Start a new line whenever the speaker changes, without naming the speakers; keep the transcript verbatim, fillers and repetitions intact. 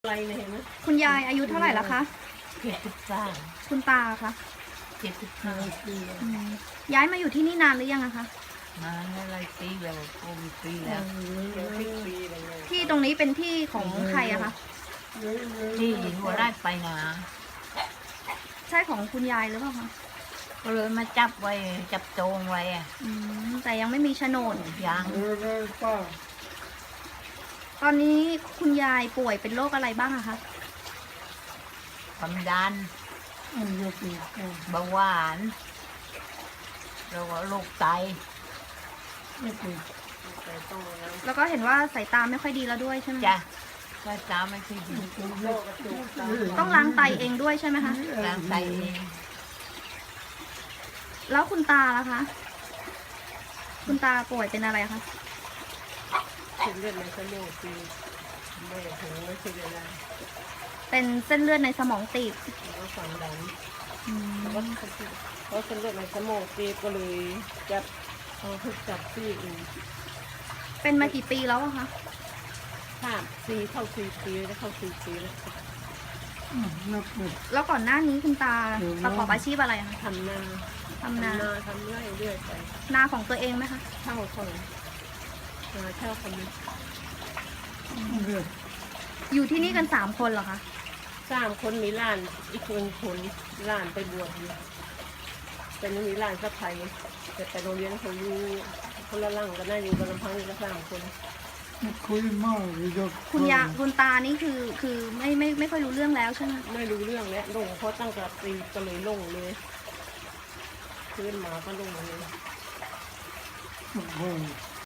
อะไรเนี่ยเห็นไหม
คุณยายอายุเท่าไหร่แล้วคะ
เจ็ดสิบสาม
คุณตาคะ
เจ็ดสิบห้าปี
ย้ายมาอยู่ที่นี่นานหรือยังอะคะ
มาหลายปีแล้วโอ้มีปีแล้ว
ที่ตรงนี้เป็นที่ของใครอะคะ
ที่หัวไร่ไปนา
ใช่ของคุณยายหรือเปล่าคะ
ก็เลยมาจับไว้จับโจงไว้อะ
แต่ยังไม่มีโฉนด
ยัง
ตอนนี้คุณยายป่วยเป็นโรคอะไรบ้างอะคะ
ความดันเบาหวานแล้วก็โรคไต
แล้วก็เห็นว่าสายตาไม่ค่อยดีแล้วด้วยใช่ไหม
จ้ะสายตาไม่ค่อยดี
ต้องล้างไตเองด้วยใช่ไหมคะ
ล้างไตเอง
แล้วคุณตาล่ะคะคุณตาป่วยเป็นอะไรคะ
เส้นเลือดในสมองตีบไม่ถึงไม่ใช่อะไร
เป็นเส้นเลือดในสมองตีบ
แล้วความดันแล้วก็เพราะเส้นเลือดในสมองตีบก็เลยจับเอาทุกจับซี่อีก
เป็นมากี่ปีแล้วอะคะ
ห้าสี่เข้าสี่ปีแล้วเข้าสี่ปีแล้ว
แล้วก่อนหน้านี้คุณตาประกอบอาชีพอะไรคะ
ทำนา
ทำนา
ทำไร่เรื่อยไป
นาของตัวเองไหมคะ
เช่าคนนาเช่าคนนี้
อยู่ที่นี่กันสามคนเหรอคะ
สามคนมีหลานอีกคนคนหลานไปบวชอยู่แต่ไม่มีหลานสักใครแต่ไปโรงเรียนเขาอยู่คนละหลังกันได้อยู่กันลำพังอยู่กันสามคน
คุยมากคุณยาคุณตานี่คือคือไม่ไม่ไม่ค่อยรู้เรื่องแล้วใช่ไหม
ไม่รู้เรื่องแล้วลงเพราะตั้งแต่ตีก็เลยลงเลยขึ้นมาก็ลงเลย